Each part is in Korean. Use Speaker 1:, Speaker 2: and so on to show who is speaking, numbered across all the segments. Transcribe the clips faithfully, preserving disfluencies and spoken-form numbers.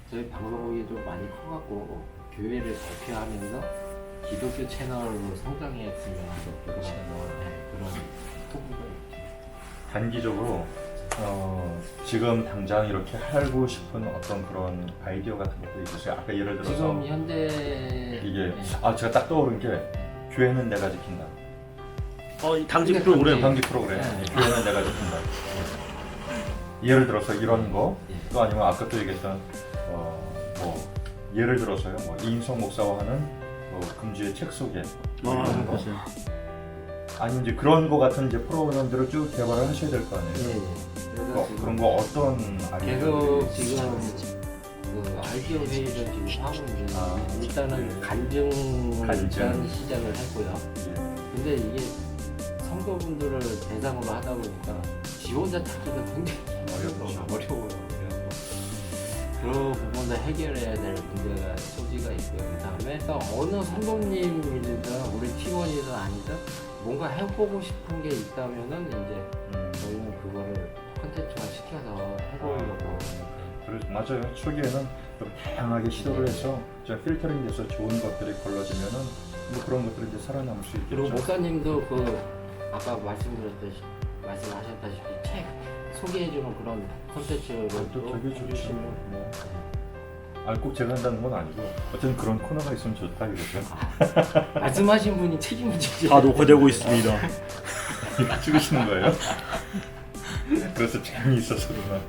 Speaker 1: 저희 방송국이 좀 많이 커갖고 교회를 대표하면서 기독교 채널로 성장했으면 하는 그런, 네, 그런 포부가 있죠.
Speaker 2: 단기적으로 어, 지금 당장 이렇게 하고 싶은 어떤 그런 아이디어 같은 것도 있으세요? 아까 예를 들어서
Speaker 1: 지금 현재
Speaker 2: 이게
Speaker 1: 네.
Speaker 2: 아 제가 딱 떠오른 게 교회는 내가 지킨다.
Speaker 3: 어, 이 당직
Speaker 1: 근데
Speaker 3: 프로그램.
Speaker 2: 당직 프로그램.
Speaker 1: 네.
Speaker 2: 교회는 내가 지킨다. 예를 들어서 이런 거,
Speaker 1: 예.
Speaker 2: 또 아니면 아까 또 얘기했던 어, 뭐 예를 들어서요, 뭐 이인성 목사와 하는 뭐 금주의 책 소개, 뭐
Speaker 3: 아,
Speaker 2: 이런 거.
Speaker 3: 맞아요.
Speaker 2: 아니 이제 그런 거 같은 이제 프로그램들을 쭉 개발을 하셔야 될 거 아니에요.
Speaker 1: 예, 예. 그래서
Speaker 2: 어,
Speaker 1: 지금
Speaker 2: 그런 거 어떤
Speaker 1: 계속
Speaker 2: 아이디어들이
Speaker 1: 지금 그 알피오 회의를 지금 하고 있는데
Speaker 2: 아,
Speaker 1: 일단은
Speaker 2: 네.
Speaker 1: 간증
Speaker 2: 간증.
Speaker 1: 일단 시작을 했고요.
Speaker 2: 예.
Speaker 1: 근데 이게 성도분들을 대상으로 하다 보니까 지원자 찾기가 굉장히
Speaker 2: 어렵죠.
Speaker 1: 어려워요. 그래서 그 부분도 해결해야 될 문제가 소지가 있고요. 그 다음에 또 어느 성도님이든 우리 팀원이든 아니든 뭔가 해보고 싶은 게 있다면은 이제
Speaker 2: 음.
Speaker 1: 저희는 그거를 콘텐츠화 시켜서 해보려고.
Speaker 2: 그래, 맞아요. 초기에는 좀 다양하게 시도를 해서 좀 필터링 돼서 좋은 것들이 걸러지면은 뭐 그런 것들이 이제 살아남을 수 있겠죠.
Speaker 1: 그리고 목사님도 그 아까 말씀드렸듯이 말씀하셨다시피 책 소개해주는 그런 콘텐츠를
Speaker 2: 아, 또 되게 좋죠.
Speaker 1: 해주시면
Speaker 2: 뭐. 아, 꼭 제가 한다는 건 아니고 어쨌든 그런 코너가 있으면 좋다 이거죠.
Speaker 1: 말씀하신 분이 책임을 지지.
Speaker 3: 다 녹화되고 있습니다.
Speaker 2: 이거 찍으시는 거예요? 그래서 재미있어서 그러나.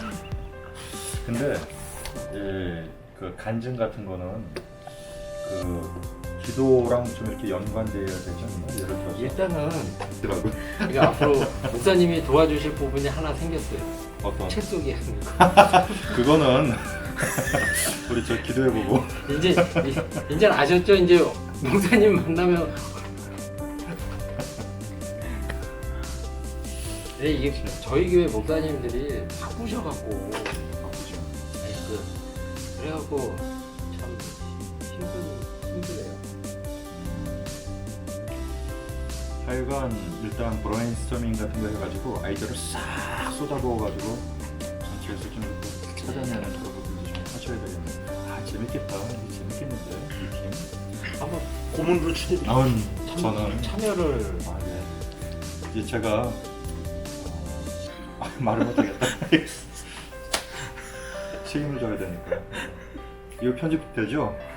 Speaker 2: 근데 예, 그 간증 같은 거는 그 기도랑 좀 이렇게 연관되어야 되지 않나? 예를 들어서
Speaker 1: 일단은
Speaker 2: 더라고
Speaker 1: 그러니까 앞으로 목사님이 도와주실 부분이 하나 생겼어요.
Speaker 2: 어떤
Speaker 1: 책 소개하는 거.
Speaker 2: 그거는 우리 저 기도해보고
Speaker 1: 이제 이제 아셨죠? 이제 목사님 만나면 네, 이게 저희 교회 목사님들이 바쁘셔갖고
Speaker 2: 바쁘죠.
Speaker 1: 네, 그 그래갖고 참 힘든 힘들어요.
Speaker 2: 하여간 일단 브레인스토밍 같은 거 해가지고 아이디어를 싹 쏟아부어가지고 전체에서 좀 이렇게 찾아내는 그런 것들도 좀 하셔야 되겠네요. 아 재밌겠다. 이게 재밌겠는데 이 팀.
Speaker 3: 한번 고문으로 추대.
Speaker 2: 아,
Speaker 1: 참,
Speaker 2: 저는
Speaker 1: 참여를
Speaker 2: 아, 네. 이제 제가 어, 아, 말을 못하겠다. 책임을 져야 되니까. 이거 편집되죠?